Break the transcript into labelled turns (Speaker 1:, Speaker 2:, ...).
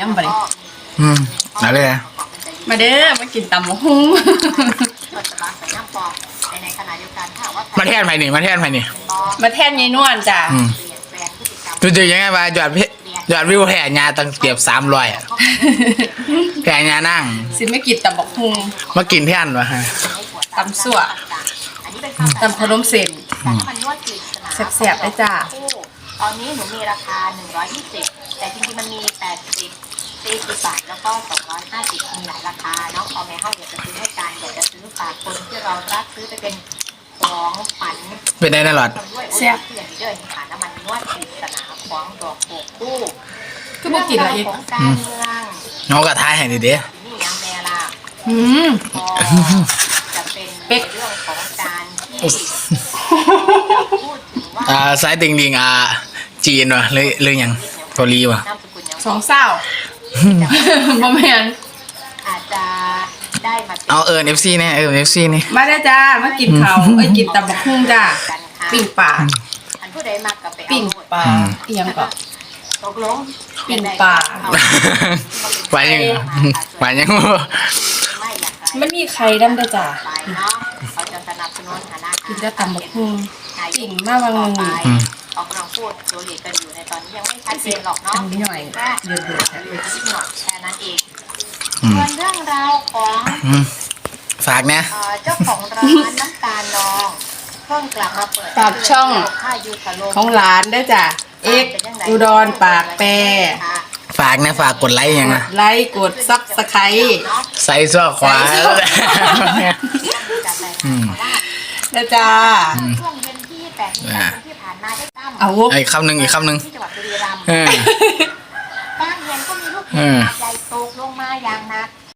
Speaker 1: น้ำบะนี่
Speaker 2: อะไรอ่ะ
Speaker 1: มาเด้อมากินตำมะฮุ้ง
Speaker 2: มาแทนไผ่นี่มาแทนไผ่นี่
Speaker 1: มาแทนยายนวลจ้ะ
Speaker 2: รู้จักยังไงว่ายอดวิวแผ่ญาตั้งเกือบ300อ่ะแผ่ญานั่ง
Speaker 1: สิไม่กินตำมะฮุ้ง
Speaker 2: มากินแทนวะฮะ
Speaker 1: ตำสั่วตำขนมเส้นแซ่บๆเลยจ้ะ
Speaker 3: ตอนนี้หนูมีราคา120แต่จริงๆมันมี80 40 บาทแล้วก็250มีหลายราคาเนาะพอแม่เฮาอยากจะซื้อให้กันอยากจะซื้อฝากคนที่เรารักซื้อไปเป็นของขวัญ
Speaker 2: เป็นได้แน่หลอด
Speaker 1: แซ่บ
Speaker 3: เพื่อนเดินผ่านน้ำมันนวดปริศนาของดอกโบกคู่
Speaker 1: คือบ่กินละอีก
Speaker 3: ของการเมือง
Speaker 2: น้องกระทายให้ดีเด้
Speaker 3: นี่ยังแม่ล่ะ
Speaker 1: อืม
Speaker 3: พอจะเป็น
Speaker 1: เป็ก
Speaker 3: เรื่องของการที่พูดถึงว่า
Speaker 2: สายติงดิงจีนวะเรื่องยังเกาหลีวะ
Speaker 3: นามสกุลยัง
Speaker 1: สองเศร้าบ่แม่น
Speaker 3: อาจจะได้มา
Speaker 2: เอาFC เนี่ยFC นี่
Speaker 1: มาได้อจ้ามากินข้าวกินตำบักฮุ้งจ้าปิ้งปลา
Speaker 3: อันผู้ใดมักกับไปเอา
Speaker 1: ปิ้ง
Speaker 3: หมด
Speaker 1: ปลาอีหยังก็
Speaker 3: ตกลง
Speaker 1: ปิ้งปลา
Speaker 2: ไปยังไปยัง
Speaker 3: ไม่อยาก
Speaker 1: มันมีไข่ดำด้วยจ้า
Speaker 3: ไปเนาะเขาจะสนับสนุนฐานะ
Speaker 1: กินแต่ตำบักฮุ้งปิ้งมาบางนึง
Speaker 3: ออกกำลังพูดโจลีกันอยู่ในตอนนี้ยังไม่ชัดเจนหรอกเนาะ
Speaker 1: อันนี้หน่อย
Speaker 3: แค่
Speaker 1: เดือด
Speaker 3: อยู่ที่หน่อยแค่นั้นเองส่วนเรื่องราวของ
Speaker 2: ฝากนะ
Speaker 3: เจ้าของร้านน้ำตาลนองเพิ่งกลับมาเปิด
Speaker 1: ปากช่อง
Speaker 3: ค่ายูทาโล
Speaker 1: ของหลานได้อจ้ะเอ็กอุดรปากแปร
Speaker 2: ฝากนะฝากกดไลค์ยังนะ
Speaker 1: ไลค์กดซับสไครต์
Speaker 2: ใส่ซอกขวา
Speaker 1: นะจ้า
Speaker 3: ช่วงเย็นที่8 มีนาคมที่ผ่านมาได้ตั้ม
Speaker 1: เอา
Speaker 2: อีกคำหนึ่ง
Speaker 3: ที่จังหวัดบุรีรัมย์
Speaker 2: เออ
Speaker 3: บ้านเย็นก็มีลูกเห็บใหญ่ตกลงมาอย่างหนัก